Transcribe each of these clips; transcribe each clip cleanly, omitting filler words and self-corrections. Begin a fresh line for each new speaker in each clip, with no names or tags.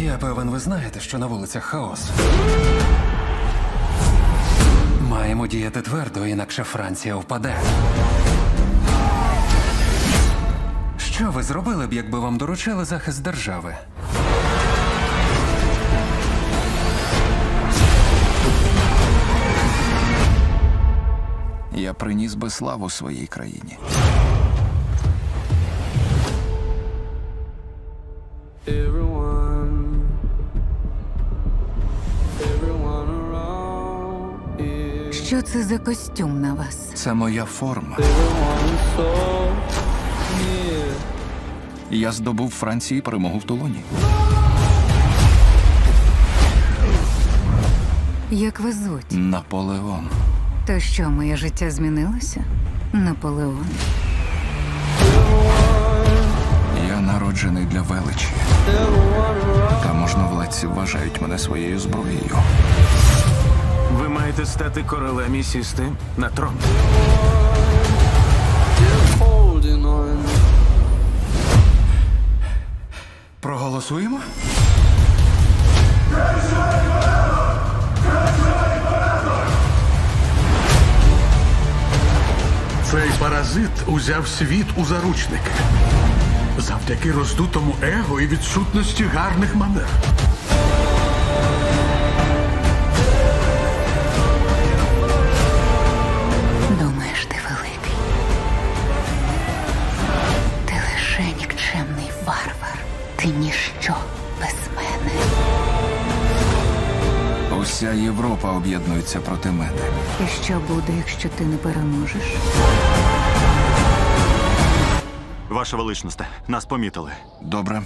Я певен, ви знаєте, що на вулицях хаос. Маємо діяти твердо, інакше Франція впаде. Що ви зробили б, якби вам доручили захист держави?
Я приніс би славу своїй країні.
Що це за костюм на вас?
Це моя форма. Я здобув в Франції перемогу в Тулоні.
Як вас звуть?
Наполеон.
То що, моє життя змінилося? Наполеон.
Я народжений для величі. Та можновладці вважають мене своєю зброєю.
Ви маєте стати королем і сісти на трон.
Проголосуємо?
Цей паразит узяв світ у заручники. Завдяки роздутому его і відсутності гарних манер.
Думаєш, ти великий? Ти лише нікчемний варвар. Ти ніщо без мене.
Уся Європа об'єднується проти мене.
І що буде, якщо ти не переможеш?
Ваша величність, нас помітили.
Добре.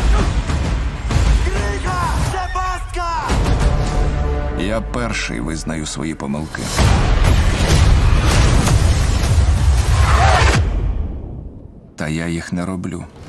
Я перший визнаю свої помилки. Та я їх не роблю.